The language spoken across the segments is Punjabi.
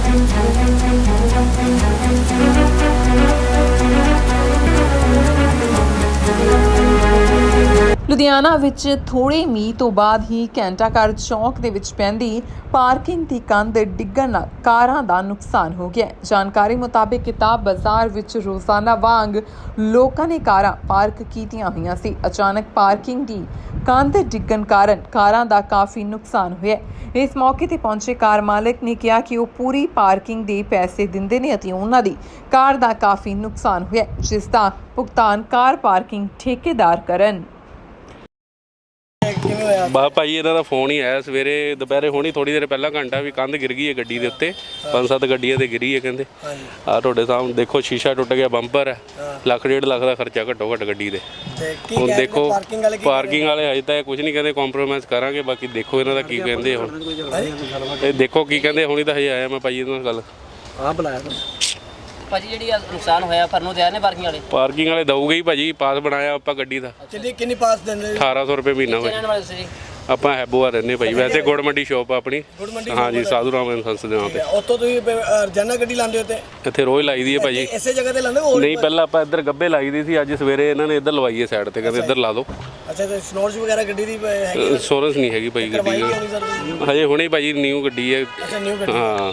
ਲੁਧਿਆਣਾ ਵਿੱਚ ਥੋੜੇ ਮੀਂਹ ਤੋਂ ਬਾਅਦ ਹੀ ਘੰਟਾਘਰ ਚੌਕ ਦੇ ਵਿੱਚ ਪੈਂਦੀ ਪਾਰਕਿੰਗ ਦੀ ਕੰਧ ਡਿੱਗਣ ਨਾਲ ਕਾਰਾਂ ਦਾ ਨੁਕਸਾਨ ਹੋ ਗਿਆ। ਜਾਣਕਾਰੀ ਮੁਤਾਬਿਕ ਕਿਤਾਬ ਬਾਜ਼ਾਰ ਵਿੱਚ ਰੋਜ਼ਾਨਾ ਵਾਂਗ ਲੋਕਾਂ ਨੇ ਕਾਰਾਂ ਪਾਰਕ ਕੀਤੀਆਂ ਹੋਈਆਂ ਸੀ। ਅਚਾਨਕ ਪਾਰਕਿੰਗ ਦੀ ਕੰਧ ਡਿੱਗਣ ਕਾਰਨ ਕਾਰਾਂ ਦਾ ਕਾਫੀ ਨੁਕਸਾਨ ਹੋਇਆ। ਇਸ ਮੌਕੇ ਤੇ ਪਹੁੰਚੇ ਕਾਰ ਮਾਲਕ ਨੇ ਕਿਹਾ ਕਿ ਉਹ ਪੂਰੀ ਪਾਰਕਿੰਗ ਦੇ ਪੈਸੇ ਦਿੰਦੇ ਨੇ ਅਤੇ ਉਹਨਾਂ ਦੀ ਕਾਰ ਦਾ ਕਾਫੀ ਨੁਕਸਾਨ ਹੋਇਆ, ਜਿਸ ਦਾ ਭੁਗਤਾਨ ਕਾਰ ਪਾਰਕਿੰਗ ਠੇਕੇਦਾਰ ਕਰਨ। ਬਾ ਭਾਈ ਇਹਨਾਂ ਦਾ ਫੋਨ ਹੀ ਆਇਆ ਸਵੇਰੇ ਦੁਪਹਿਰੇ ਹੋਣੀ ਥੋੜੀ ਦੇਰ ਪਹਿਲਾਂ ਘੰਟਾ ਵੀ ਕੰਧ ਗਿਰ ਗਈ ਹੈ ਗੱਡੀ ਦੇ ਉੱਤੇ, 5-7 ਗੱਡੀਆਂ ਤੇ ਗਿਰੀ ਹੈ ਕਹਿੰਦੇ। ਆ ਤੁਹਾਡੇ ਸਾਹਮਣੇ ਦੇਖੋ ਸ਼ੀਸ਼ਾ ਟੁੱਟ ਗਿਆ, ਬੰਪਰ ਹੈ, 1.5 ਲੱਖ ਦਾ ਖਰਚਾ ਘੱਟੋ ਘੱਟ ਗੱਡੀ ਦੇ। ਹੁਣ ਦੇਖੋ ਪਾਰਕਿੰਗ ਵਾਲੇ ਹਜੇ ਤਾਂ ਕੁਝ ਨਹੀਂ ਕਹਿੰਦੇ, ਕੰਪਰੋਮਾਈਜ਼ ਕਰਾਂਗੇ, ਬਾਕੀ ਦੇਖੋ ਇਹਨਾਂ ਦਾ ਕੀ ਕਹਿੰਦੇ। ਹੁਣ ਇਹ ਦੇਖੋ ਕੀ ਕਹਿੰਦੇ। ਹੁਣੀ ਤਾਂ ਹਜੇ ਆਇਆ ਮੈਂ ਭਾਈ ਇਹਨਾਂ ਨਾਲ ਗੱਲ ਬੁਲਾਇਆ ਭਾਜੀ। ਜਿਹੜੀ ਨੁਕਸਾਨ ਹੋਇਆ ਫਰਨੋਂ ਤਿਆਰ ਨੇ ਪਾਰਕਿੰਗ ਵਾਲੇ ਦਊਗੇ ਹੀ ਭਾਜੀ। ਪਾਸ ਬਣਾਇਆ ਆਪਾਂ ਗੱਡੀ ਦਾ। ਕਿੰਨੀ ਪਾਸ ਦਿੰਦੇ? 1800 ਰੁਪਏ ਮਹੀਨਾ ਹੋਇਆ। ਆਪਾਂ ਹੈਬੋਆ ਰਹਿੰਦੇ ਭਾਈ, ਵੈਸੇ ਗੁੜ ਮੰਡੀ ਸ਼ੋਪ ਆ ਆਪਣੀ। ਹਾਂਜੀ, ਸਾਧੂ ਰਾਮ ਸੰਸ ਦੇ ਨਾਂ ਤੇ। ਉੱਥੋਂ ਤੁਸੀਂ ਰੋਜ਼ਾਨਾ ਗੱਡੀ ਲਾਉਂਦੇ ਹੋ? ਤੇ ਇੱਥੇ ਰੋਜ਼ ਲਾਈ ਦੀ ਹੈ ਭਾਜੀ। ਇਸੇ ਜਗ੍ਹਾ ਤੇ ਲਾਉਂਦੇ ਹੋ? ਨਹੀਂ, ਪਹਿਲਾਂ ਆਪਾਂ ਇੱਧਰ ਗੱਬੇ ਲਾਈ ਦੀ ਸੀ, ਅੱਜ ਸਵੇਰੇ ਇਹਨਾਂ ਨੇ ਇੱਧਰ ਲਵਾਈ ਹੈ ਸਾਈਡ ਤੇ, ਕਹਿੰਦੇ ਇੱਧਰ ਲਾ ਦਿਓ। ਅੱਛਾ, ਤੇ ਇੰਸ਼ੋਰੈਂਸ ਵਗੈਰਾ ਗੱਡੀ ਦੀ ਹੈਗੀ? ਇੰਸ਼ੋਰੈਂਸ ਨਹੀਂ ਹੈਗੀ ਭਾਈ ਗੱਡੀ ਦੀ ਹਜੇ, ਹੁਣੇ ਭਾਜੀ ਨਿਊ ਗੱਡੀ ਹੈ। ਅੱਛਾ, ਨਿਊ ਗੱਡੀ। ਹਾਂ।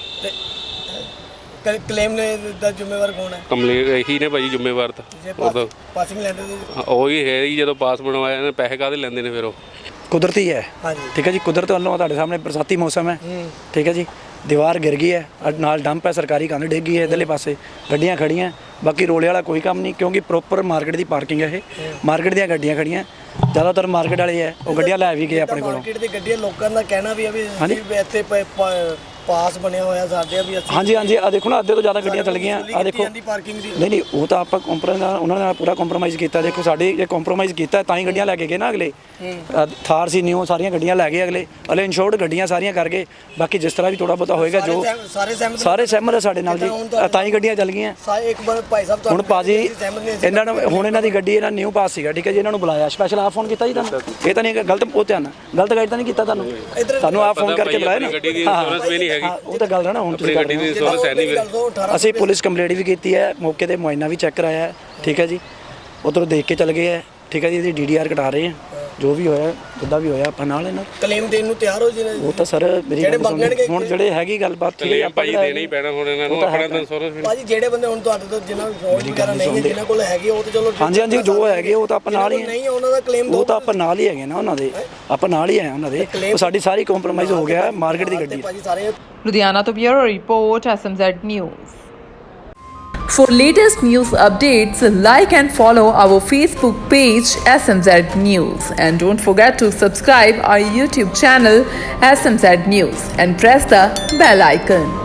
ਕਲੇਮ ਦਾ ਜ਼ਿੰਮੇਵਾਰ ਕੌਣ ਹੈ? ਕੰਪਲੇਂਟ ਇਹੀ ਨੇ ਭਾਜੀ ਜ਼ਿੰਮੇਵਾਰ ਤਾਂ। ਉਹ ਪਾਸਿੰਗ ਲੈਂਦੇ ਉਹੀ ਹੈ ਜੀ, ਜਦੋਂ ਪਾਸ ਬਣਵਾਇਆ ਨੇ ਪੈਸੇ ਕਾਹਦੇ ਲੈਂਦੇ ਨੇ ਫਿਰ ਉਹ। ਕੁਦਰਤੀ ਹੈ। ਠੀਕ ਹੈ ਜੀ, ਕੁਦਰਤ ਵੱਲੋਂ ਤੁਹਾਡੇ ਸਾਹਮਣੇ ਬਰਸਾਤੀ ਮੌਸਮ ਹੈ। ਠੀਕ ਹੈ ਜੀ, ਦੀਵਾਰ ਗਿਰ ਗਈ ਹੈ, ਨਾਲ ਡੰਪ ਹੈ, ਸਰਕਾਰੀ ਕੰਧ ਡਿੱਗ ਗਈ ਹੈ ਇੱਧਰਲੇ ਪਾਸੇ, ਗੱਡੀਆਂ ਖੜੀਆਂ। ਬਾਕੀ ਰੋਲੇ ਵਾਲਾ ਕੋਈ ਕੰਮ ਨਹੀਂ, ਕਿਉਂਕਿ ਪ੍ਰੋਪਰ ਮਾਰਕੀਟ ਦੀ ਪਾਰਕਿੰਗ ਹੈ। ਇਹ ਮਾਰਕੀਟ ਦੀਆਂ ਗੱਡੀਆਂ ਖੜੀਆਂ, ਜ਼ਿਆਦਾਤਰ ਮਾਰਕੀਟ ਵਾਲੇ ਹੈ, ਉਹ ਗੱਡੀਆਂ ਲੈ ਵੀ ਗਏ ਆਪਣੇ ਕੋਲੋਂ। ਮਾਰਕੀਟ ਦੀ ਗੱਡੀਆਂ ਲੋਕਾਂ ਦਾ ਕਹਿਣਾ ਵੀ ਹੈ ਵੀ ਇੱਥੇ ਪਾਸ ਬਣਿਆ ਹੋਇਆ ਸਾਡੇ ਵੀ। ਹਾਂਜੀ, ਆ ਦੇਖੋ ਨਾ, ਅੱਧੇ ਤੋਂ ਜ਼ਿਆਦਾ ਗੱਡੀਆਂ ਚੱਲ ਗਈਆਂ। ਆ ਦੇਖੋ ਨਹੀਂ, ਉਹ ਤਾਂ ਆਪਾਂ ਉਹਨਾਂ ਨਾਲ ਪੂਰਾ ਕੰਪਰੋਮਾਈਜ਼ ਕੀਤਾ। ਦੇਖੋ ਸਾਡੇ ਜੇ ਕੰਪਰੋਮਾਈਜ਼ ਕੀਤਾ ਤਾਂ ਹੀ ਗੱਡੀਆਂ ਲੈ ਕੇ ਗਏ ਨਾ ਅਗਲੇ। ਥਾਰ ਸੀ ਨਿਊ, ਸਾਰੀਆਂ ਗੱਡੀਆਂ ਲੈ ਗਏ ਅਗਲੇ ਇੰਸ਼ੋਰਡ ਗੱਡੀਆਂ ਸਾਰੀਆਂ ਕਰ ਗਏ। ਬਾਕੀ ਜਿਸ ਤਰ੍ਹਾਂ ਵੀ ਥੋੜਾ ਬਹੁਤਾ ਹੋਏਗਾ, ਜੋ ਸਾਰੇ ਸਹਿਮਤ ਹੈ ਸਾਡੇ ਨਾਲ ਜੀ, ਤਾਂ ਹੀ ਗੱਡੀਆਂ ਚੱਲ ਗਈਆਂ। ਹੁਣ ਭਾਜੀ ਇਹਨਾਂ ਨੂੰ, ਹੁਣ ਇਹਨਾਂ ਦੀ ਗੱਡੀ ਇਹਨਾਂ ਨਿਊ ਪਾਸ ਸੀਗਾ। ਠੀਕ ਹੈ ਜੀ, ਇਹਨਾਂ ਨੂੰ ਬੁਲਾਇਆ ਸਪੈਸ਼ਲ। ਆਪ ਫੋਨ ਕੀਤਾ ਜੀ ਤੁਹਾਨੂੰ? ਇਹ ਤਾਂ ਨਹੀਂ ਗਲਤ, ਉਹ ਧਿਆਨ ਗਲਤ ਗਾਈਡ ਤਾਂ ਨਹੀਂ ਕੀਤਾ ਤੁਹਾਨੂੰ ਆਪ ਫੋਨ ਕਰਕੇ ਬੁਲਾਇਆ ਨਾ। ਉਹ ਤਾਂ ਗੱਲ ਹੈ ਨਾ। ਹੁਣ ਅਸੀਂ ਪੁਲਿਸ ਕੰਪਲੇਂਟ ਵੀ ਕੀਤੀ ਹੈ, ਮੌਕੇ ਤੇ ਮੁਆਇਨਾ ਵੀ ਚੈੱਕ ਕਰਾਇਆ ਹੈ। ਠੀਕ ਹੈ ਜੀ, ਉੱਧਰੋਂ ਦੇਖ ਕੇ ਚਲੇ ਗਏ ਹੈ। ਠੀਕ ਹੈ ਜੀ, ਇਹਦੀ DDR ਕਟਾ ਰਹੇ ਹਾਂ, ਜੋ ਵੀ ਹੋਇਆ ਜਿੱਦਾਂ ਵੀ ਹੋਇਆ ਆਪਾਂ ਨਾਲ ਇਹਨਾਂ ਕਲੇਮ ਦੇਣ ਨੂੰ ਤਿਆਰ ਹੋ ਜੀ। ਉਹ ਤਾਂ ਸਰ ਮੇਰੀ ਹੁਣ ਜਿਹੜੇ ਹੈਗੀ ਗੱਲਬਾਤ ਆਪਾਂ ਦੇਣਾ ਹੀ ਪੈਣਾ ਹੁਣ ਇਹਨਾਂ ਨੂੰ ਆਪਣਾ ਇੰਸ਼ੋਰੈਂਸ। ਭਾਜੀ ਜਿਹੜੇ ਬੰਦੇ ਹੁਣ ਤੁਹਾਡੇ ਤੋਂ ਜਿਨ੍ਹਾਂ ਫੋਨ ਵਗੈਰਾ ਨਹੀਂ ਹੈ, ਜਿਨ੍ਹਾਂ ਕੋਲ ਹੈਗੀ, ਉਹ ਤਾਂ ਚਲੋ ਹਾਂਜੀ ਜੋ ਹੈਗੇ ਉਹ ਤਾਂ ਆਪਾਂ ਨਾਲ ਹੀ ਨਹੀਂ, ਉਹਨਾਂ ਦਾ ਕਲੇਮ ਉਹ ਤਾਂ ਆਪਾਂ ਨਾਲ ਹੀ ਹੈਗੇ ਨਾ, ਉਹਨਾਂ ਦੇ ਆਪਾਂ ਨਾਲ ਹੀ ਆਏ ਉਹਨਾਂ ਦੇ। ਉਹ ਸਾਡੀ ਸਾਰੀ ਕੰਪਰੋਮਾਈਜ਼ ਹੋ ਗਿਆ ਮਾਰਕੀਟ ਦੀ ਗੱਡੀ। ਲੁਧਿਆਣਾ ਤੋਂ bureau report, SMZ News। For latest news updates, like and follow our Facebook page SMZ News, and don't forget to subscribe our YouTube channel SMZ News and press the bell icon.